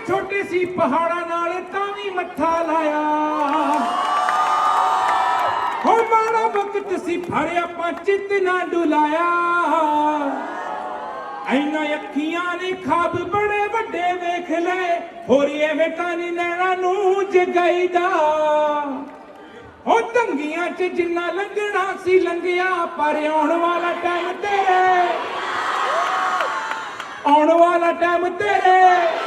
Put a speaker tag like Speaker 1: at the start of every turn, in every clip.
Speaker 1: ਛੋਟੇ ਸੀ ਪਹਾੜਾਂ ਨਾਲ ਤਾਂ ਵੀ ਮੱਥਾ ਲਾਇਆ ਹੋ ਮਾੜਾ ਵਕਤ ਸੀ ਪਰ ਆਪਾਂ ਚਿੱਤ ਨਾ ਡੁਲਾਇਆ ਐਨਾ ਅੱਖੀਆਂ ਨੇ ਖਾਬ ਬੜੇ ਵੱਡੇ ਵੇਖ ਲਏ ਹੋਰੀ ਐਵੇਂ ਤਾਂ ਨੀ ਨੈਣਾ ਨੂੰ ਜਗਾਈਦਾ ਹੋ ਤੰਗੀਆਂ ਚ ਜਿੰਨਾ ਲੰਘਣਾ ਸੀ ਲੰਘਿਆ ਪਰ ਆਉਣ ਵਾਲਾ ਟਾਈਮ ਤੇਰੇ ਆਉਣ ਵਾਲਾ ਟਾਈਮ ਤੇਰੇ।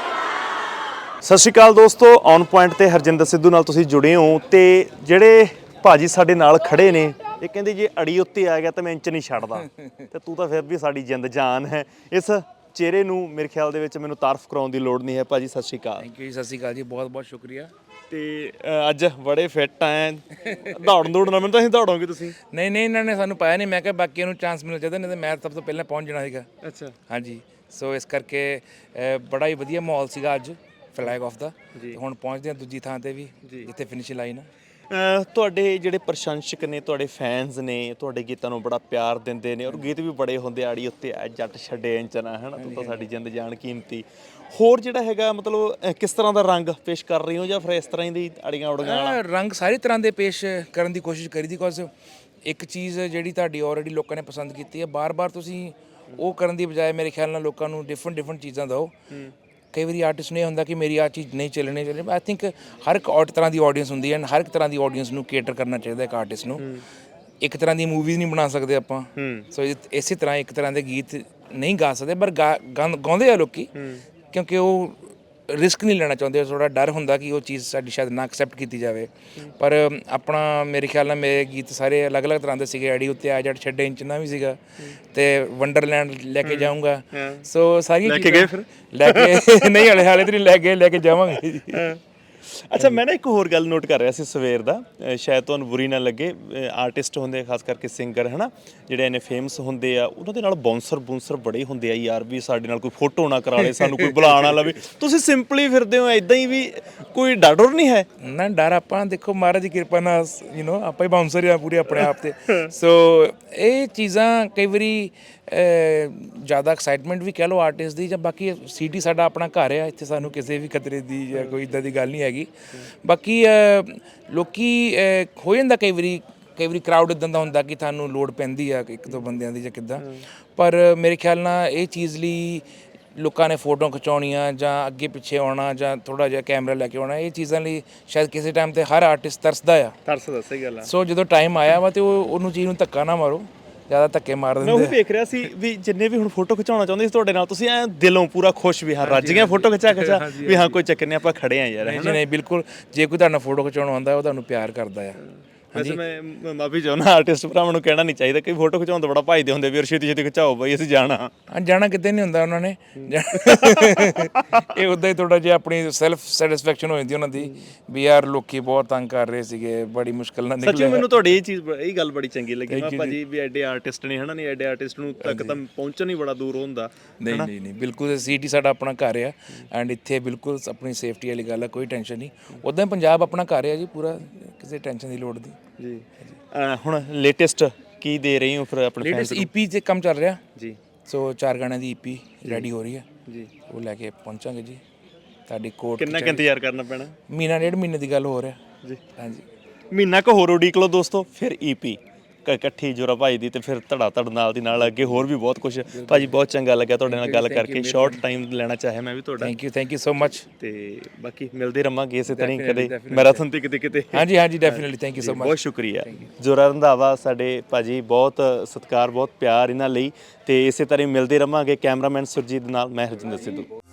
Speaker 2: ਸਤਿ ਸ਼੍ਰੀ ਅਕਾਲ ਦੋਸਤੋ, ਔਨ ਪੁਆਇੰਟ ਤੇ ਹਰਜਿੰਦਰ ਸਿੱਧੂ ਨਾਲ ਤੁਸੀਂ ਜੁੜੇ ਹੋ ਤੇ ਜਿਹੜੇ ਭਾਜੀ ਸਾਡੇ ਨਾਲ ਖੜੇ ਨੇ ਇਹ ਕਹਿੰਦੇ ਜੇ ਅੜੀ ਉੱਤੇ ਆ ਗਿਆ ਤਾਂ ਮੈਂ ਇੰਚ ਨਹੀਂ ਛੱਡਦਾ ਤੇ ਤੂੰ ਤਾਂ ਫਿਰ ਵੀ ਸਾਡੀ ਜਿੰਦ ਜਾਨ ਹੈ। ਇਸ ਚਿਹਰੇ ਨੂੰ ਮੇਰੇ ਖਿਆਲ ਦੇ ਵਿੱਚ ਮੈਨੂੰ ਤਾਰਫ ਕਰਾਉਣ ਦੀ ਲੋੜ ਨਹੀਂ ਹੈ। ਭਾਜੀ ਸਤਿ ਸ਼੍ਰੀ ਅਕਾਲ।
Speaker 3: ਥੈਂਕ ਯੂ ਜੀ, ਸਤਿ ਸ਼੍ਰੀ ਅਕਾਲ ਜੀ, ਬਹੁਤ ਬਹੁਤ ਸ਼ੁਕਰੀਆ।
Speaker 2: ਤੇ ਅੱਜ ਬੜੇ ਫਿੱਟ ਆਏ ਦੌੜਨ ਮੈਨੂੰ ਤਾਂ ਅਸੀਂ ਦੌੜੋਗੇ ਤੁਸੀਂ?
Speaker 3: ਨਹੀਂ ਇਹਨਾਂ ਨੇ ਸਾਨੂੰ ਪਾਇਆ ਨਹੀਂ, ਮੈਂ ਕਿਹਾ ਬਾਕੀਆਂ ਨੂੰ ਚਾਂਸ ਮਿਲਣਾ ਚਾਹੀਦਾ, ਨਹੀਂ ਤਾਂ ਮੈਂ ਸਭ ਤੋਂ ਪਹਿਲਾਂ ਪਹੁੰਚ ਜਾਣਾ ਸੀਗਾ।
Speaker 2: ਅੱਛਾ
Speaker 3: ਹਾਂਜੀ, ਸੋ ਇਸ ਕਰਕੇ ਬੜਾ ਹੀ ਵਧੀਆ ਮਾਹੌਲ ਸੀਗਾ ਅੱਜ ਫਲੈਗ ਆਫ ਦਾ। ਹੁਣ ਪਹੁੰਚਦੇ ਹਾਂ ਦੂਜੀ ਥਾਂ ਤੇ ਵੀ ਜਿੱਥੇ ਫਿਨਿਸ਼ ਲਾਈਨ ਆ।
Speaker 2: ਤੁਹਾਡੇ ਜਿਹੜੇ ਪ੍ਰਸ਼ੰਸਕ ਨੇ, ਤੁਹਾਡੇ ਫੈਨਸ ਨੇ, ਤੁਹਾਡੇ ਗੀਤਾਂ ਨੂੰ ਬੜਾ ਪਿਆਰ ਦਿੰਦੇ ਨੇ ਔਰ ਗੀਤ ਵੀ ਬੜੇ ਹੁੰਦੇ ਆੜੀ ਉੱਤੇ ਜੱਟ ਛੱਡੇ ਇੰਚ ਨਾ, ਹੈ ਨਾ, ਤੂੰ ਤਾਂ ਸਾਡੀ ਜਿੰਦ ਜਾਨ ਕੀਮਤੀ। ਹੋਰ ਜਿਹੜਾ ਹੈਗਾ ਮਤਲਬ ਕਿਸ ਤਰ੍ਹਾਂ ਦਾ ਰੰਗ ਪੇਸ਼ ਕਰ ਰਹੀ ਹੋ ਜਾਂ ਫਿਰ ਇਸ ਤਰ੍ਹਾਂ ਹੀ ਦੀ ਅੜੀਆਂ ਉੜੀਆਂ ਵਾਲਾ
Speaker 3: ਰੰਗ ਸਾਰੀ ਤਰ੍ਹਾਂ ਦੇ ਪੇਸ਼ ਕਰਨ ਦੀ ਕੋਸ਼ਿਸ਼ ਕਰੀ ਦੀ, ਬਿਕੋਜ਼ ਇੱਕ ਚੀਜ਼ ਜਿਹੜੀ ਤੁਹਾਡੀ ਆਲਰੇਡੀ ਲੋਕਾਂ ਨੇ ਪਸੰਦ ਕੀਤੀ ਹੈ, ਬਾਰ-ਬਾਰ ਤੁਸੀਂ ਉਹ ਕਰਨ ਦੀ ਬਜਾਏ ਮੇਰੇ ਖਿਆਲ ਨਾਲ ਲੋਕਾਂ ਨੂੰ ਡਿਫਰੈਂਟ ਚੀਜ਼ਾਂ ਦਿਓ। ਕਈ ਵਾਰੀ ਆਰਟਿਸਟ ਨੂੰ ਇਹ ਹੁੰਦਾ ਕਿ ਮੇਰੀ ਆਹ ਚੀਜ਼ ਨਹੀਂ ਚੱਲਣੀ ਆਈ ਥਿੰਕ ਹਰ ਇੱਕ ਤਰ੍ਹਾਂ ਦੀ ਆਡੀਅנס ਹੁੰਦੀ ਹੈ, ਹਰ ਇੱਕ ਤਰ੍ਹਾਂ ਦੀ ਆਡੀਅנס ਨੂੰ ਕੇਟਰ ਕਰਨਾ ਚਾਹੀਦਾ ਇੱਕ ਆਰਟਿਸਟ ਨੂੰ। ਇੱਕ ਤਰ੍ਹਾਂ ਦੀ ਮੂਵੀਜ਼ ਨਹੀਂ ਬਣਾ ਸਕਦੇ ਆਪਾਂ, ਸੋ ਇਸੇ ਤਰ੍ਹਾਂ ਇੱਕ ਤਰ੍ਹਾਂ ਦੇ ਗੀਤ ਨਹੀਂ ਗਾ ਸਕਦੇ, ਪਰ ਗਾਉਂਦੇ ਆ ਲੋਕੀ ਕਿਉਂਕਿ ਉਹ ਰਿਸਕ ਨਹੀਂ ਲੈਣਾ ਚਾਹੁੰਦੇ, ਥੋੜ੍ਹਾ ਡਰ ਹੁੰਦਾ ਕਿ ਉਹ ਚੀਜ਼ ਸਾਡੀ ਸ਼ਾਇਦ ਨਾ ਐਕਸੈਪਟ ਕੀਤੀ ਜਾਵੇ। ਪਰ ਆਪਣਾ ਮੇਰੇ ਖਿਆਲ ਨਾਲ ਮੇਰੇ ਗੀਤ ਸਾਰੇ ਅਲੱਗ-ਅਲੱਗ ਤਰ੍ਹਾਂ ਦੇ ਸੀਗੇ। ਅੜੀ ਉੱਤੇ ਆ ਜੱਟ ਛੱਡੇ ਇੰਚ ਨਾ ਵੀ ਸੀਗਾ ਤੇ ਵੰਡਰਲੈਂਡ ਲੈ ਕੇ ਜਾਊਂਗਾ, ਸੋ ਸਾਰੀਆਂ
Speaker 2: ਲੈ ਕੇ ਗਏ ਫਿਰ?
Speaker 3: ਲੈ ਕੇ ਨਹੀਂ ਹਾਲੇ ਤਾਂ ਨਹੀਂ ਲੈ ਕੇ ਜਾਵਾਂਗੇ ਜੀ।
Speaker 2: ਅੱਛਾ, ਮੈਂ ਨਾ ਇੱਕ ਹੋਰ ਗੱਲ ਨੋਟ ਕਰ ਰਿਹਾ ਸੀ ਸਵੇਰ ਦਾ, ਸ਼ਾਇਦ ਤੁਹਾਨੂੰ ਬੁਰੀ ਨਾ ਲੱਗੇ। ਆਰਟਿਸਟ ਹੁੰਦੇ ਖਾਸ ਕਰਕੇ ਸਿੰਗਰ ਹੈ ਨਾ, ਜਿਹੜੇ ਇੰਨੇ ਫੇਮਸ ਹੁੰਦੇ ਆ, ਉਹਨਾਂ ਦੇ ਨਾਲ ਬਾਉਂਸਰ ਬੜੇ ਹੁੰਦੇ ਆ ਯਾਰ, ਵੀ ਸਾਡੇ ਨਾਲ ਕੋਈ ਫੋਟੋ ਨਾ ਕਰਾ ਲੇ, ਸਾਨੂੰ ਕੋਈ ਬੁਲਾ ਨਾ ਲਵੇ। ਤੁਸੀਂ ਸਿੰਪਲੀ ਫਿਰਦੇ ਹੋ ਇਦਾਂ ਹੀ, ਵੀ ਕੋਈ ਡਰ ਡਰ ਨਹੀਂ ਹੈ?
Speaker 3: ਨਾ ਡਰ ਆਪਾਂ ਦੇਖੋ ਮਹਾਰਾਜ ਦੀ ਕਿਰਪਾ ਨਾਲ ਆਪਾਂ ਹੀ ਬਾਉਂਸਰ ਆ ਪੂਰੇ ਆਪਣੇ ਆਪ ਤੇ। ਸੋ ਇਹ ਚੀਜ਼ਾਂ ਕਈ ਵਾਰੀ ਜ਼ਿਆਦਾ ਐਕਸਾਈਟਮੈਂਟ ਵੀ ਕਹਿ ਲਓ ਆਰਟਿਸਟ ਦੀ, ਜਾਂ ਬਾਕੀ ਸਿਟੀ ਸਾਡਾ ਆਪਣਾ ਘਰ ਆ, ਇੱਥੇ ਸਾਨੂੰ ਕਿਸੇ ਵੀ ਖਤਰੇ ਦੀ ਜਾਂ ਕੋਈ ਇੱਦਾਂ ਦੀ ਗੱਲ ਨਹੀਂ ਹੈਗੀ। ਬਾਕੀ ਲੋਕੀ ਹੋ ਜਾਂਦਾ ਕਈ ਵਾਰੀ ਕਰਾਊਡ ਇੱਦਾਂ ਦਾ ਹੁੰਦਾ ਕਿ ਤੁਹਾਨੂੰ ਲੋੜ ਪੈਂਦੀ ਆ ਇੱਕ ਦੋ ਬੰਦਿਆਂ ਦੀ ਜਾਂ ਕਿੱਦਾਂ, ਪਰ ਮੇਰੇ ਖਿਆਲ ਨਾਲ ਇਹ ਚੀਜ਼ ਲਈ ਲੋਕਾਂ ਨੇ ਫੋਟੋ ਖਿਚਾਉਣੀਆਂ ਜਾਂ ਅੱਗੇ ਪਿੱਛੇ ਆਉਣਾ ਜਾਂ ਥੋੜ੍ਹਾ ਜਿਹਾ ਕੈਮਰਾ ਲੈ ਕੇ ਆਉਣਾ, ਇਹ ਚੀਜ਼ਾਂ ਲਈ ਸ਼ਾਇਦ ਕਿਸੇ ਟਾਈਮ ਤੇ ਹਰ ਆਰਟਿਸਟ ਤਰਸਦਾ
Speaker 2: ਸਹੀ ਗੱਲ ਆ।
Speaker 3: ਸੋ ਜਦੋਂ ਟਾਈਮ ਆਇਆ ਵਾ ਤੇ ਉਹਨੂੰ ਚੀਜ਼ ਨੂੰ ਧੱਕਾ ਨਾ ਮਾਰੋ, ਜ਼ਿਆਦਾ ਧੱਕੇ ਮਾਰ ਦਿੰਦੇ।
Speaker 2: ਮੈਂ ਉਹ ਵੇਖ ਰਿਹਾ ਸੀ ਵੀ ਜਿੰਨੇ ਵੀ ਹੁਣ ਫੋਟੋ ਖਿਚਾਉਣਾ ਚਾਹੁੰਦੇ ਸੀ ਤੁਹਾਡੇ ਨਾਲ, ਤੁਸੀਂ ਐ ਦਿਲੋਂ ਪੂਰਾ ਖੁਸ਼ ਵੀ ਹਾਂ ਰੱਜ ਗਿਆ ਫੋਟੋ ਖਿਚਾ ਵੀ ਹਾਂ ਕੋਈ ਚੱਕਰ ਨਹੀਂ, ਆਪਾਂ ਖੜੇ ਆ ਯਾਰ।
Speaker 3: ਨਹੀਂ ਬਿਲਕੁਲ, ਜੇ ਕੋਈ ਤੁਹਾਡਾ ਫੋਟੋ ਖਿਚਾਉਣਾ ਆਉਂਦਾ ਉਹ ਤੁਹਾਨੂੰ ਪਿਆਰ ਕਰਦਾ ਆ।
Speaker 2: ਵੈਸੇ ਮੈਂ ਮਾਫੀ ਚਾਹੁੰਦਾ, ਆਰਟਿਸਟ ਭਰਾਵਾਂ ਨੂੰ ਕਹਿਣਾ ਨਹੀਂ ਚਾਹੀਦਾ ਕਿ ਫੋਟੋ ਖਿਚਾਉਣ ਤੋਂ ਬੜਾ ਭੱਜਦੇ ਹੁੰਦੇ ਵੀ ਛੇਤੀ ਖਿਚਾਓ ਬਾਈ ਅਸੀਂ ਜਾਣਾ
Speaker 3: ਕਿਤੇ ਨਹੀਂ ਹੁੰਦਾ ਉਹਨਾਂ ਨੇ। ਇਹ ਉੱਦਾਂ ਹੀ ਥੋੜਾ ਜਿਹਾ ਆਪਣੀ ਸੈਲਫ ਸੈਟੀਸਫੈਕਸ਼ਨ ਹੋ ਜਾਂਦੀ ਉਹਨਾਂ ਦੀ ਵੀ ਯਾਰ ਲੋਕੀ ਬਹੁਤ ਤੰਗ ਕਰ ਰਹੇ ਸੀਗੇ, ਬੜੀ ਮੁਸ਼ਕਿਲ ਨਾਲ ਨਿਕਲੇ।
Speaker 2: ਸੱਚੀ ਮੈਨੂੰ ਤੁਹਾਡੀ ਇਹ ਗੱਲ ਬੜੀ ਚੰਗੀ ਲੱਗੀ ਭਾਜੀ, ਵੀ ਐਡੇ ਆਰਟਿਸਟ ਨੇ ਹਨਾ, ਨਹੀਂ ਐਡੇ ਆਰਟਿਸਟ ਨੂੰ ਤੱਕ ਤਾਂ ਪਹੁੰਚਣ ਹੀ ਬੜਾ ਦੂਰ ਹੁੰਦਾ।
Speaker 3: ਨਹੀਂ ਬਿਲਕੁਲ, ਸਿਟੀ ਸਾਡਾ ਆਪਣਾ ਘਰ ਆ ਐਂਡ ਇੱਥੇ ਬਿਲਕੁਲ ਆਪਣੀ ਸੇਫਟੀ ਵਾਲੀ ਗੱਲ ਆ, ਕੋਈ ਟੈਨਸ਼ਨ ਨਹੀਂ। ਉੱਦਾਂ ਪੰਜਾਬ ਆਪਣਾ ਘਰ ਆ ਜੀ ਪੂਰਾ, ਕਿਸੇ ਟੈਨਸ਼ਨ ਦੀ ਲੋੜ ਨਹੀਂ
Speaker 2: ਜੀ। ਹੁਣ ਲੇਟੈਸਟ ਕੀ ਦੇ ਰਹੀ ਹੋ ਫਿਰ ਆਪਣੇ
Speaker 3: ਲੇਟੈਸਟ EP ਤੇ ਕੰਮ ਚੱਲ ਰਿਹਾ
Speaker 2: ਜੀ?
Speaker 3: ਸੋ 4 ਗਾਣਿਆਂ ਦੀ EP ਰੈਡੀ ਹੋ ਰਹੀ ਹੈ
Speaker 2: ਜੀ, ਉਹ
Speaker 3: ਲੈ ਕੇ ਪਹੁੰਚਾਂਗੇ ਜੀ ਤੁਹਾਡੀ ਕੋਰਟ।
Speaker 2: ਕਿੰਨਾ ਕੁ ਇੰਤਜ਼ਾਰ ਕਰਨਾ ਪੈਣਾ?
Speaker 3: ਮਹੀਨਾ ਡੇਢ ਮਹੀਨੇ ਦੀ ਗੱਲ ਹੋ ਰਿਹਾ
Speaker 2: ਜੀ।
Speaker 3: ਹਾਂਜੀ,
Speaker 2: ਮਹੀਨਾ ਕੁ ਹੋਰ ਉਡੀਕ ਲਓ ਦੋਸਤੋ, ਫਿਰ EP ਇਕੱਠੀ ਜੋਰਾ ਭਾਈ ਦੀ, ਤੇ ਫਿਰ ਧੜ ਨਾਲ ਦੀ ਨਾਲ ਅੱਗੇ ਹੋਰ ਵੀ ਬਹੁਤ ਕੁਝ। ਭਾਜੀ ਬਹੁਤ ਚੰਗਾ ਲੱਗਿਆ ਤੁਹਾਡੇ ਨਾਲ ਗੱਲ ਕਰਕੇ, ਸ਼ਾਰਟ ਟਾਈਮ ਲੈਣਾ ਚਾਹਿਆ ਮੈਂ ਵੀ ਤੁਹਾਡਾ।
Speaker 3: Thank you so much.
Speaker 2: ਤੇ ਬਾਕੀ ਮਿਲਦੇ ਰਹਾਂਗੇ ਇਸੇ ਤਰ੍ਹਾਂ ਕਦੇ ਮੈਰਾਥਨ ਤੇ ਕਿਤੇ।
Speaker 3: ਹਾਂਜੀ definitely, thank you so much,
Speaker 2: ਬਹੁਤ ਸ਼ੁਕਰੀਆ। ਜੋਰਾ ਰੰਧਾਵਾ ਸਾਡੇ ਭਾਜੀ, ਬਹੁਤ ਸਤਿਕਾਰ ਬਹੁਤ ਪਿਆਰ ਇਹਨਾਂ ਲਈ, ਤੇ ਇਸੇ ਤਰ੍ਹਾਂ ਮਿਲਦੇ ਰਹਾਂਗੇ। ਕੈਮਰਾਮੈਨ ਸੁਰਜੀਤ ਨਾਲ ਮੈਂ ਹਰਜਿੰਦਰ ਸਿੱਧੂ।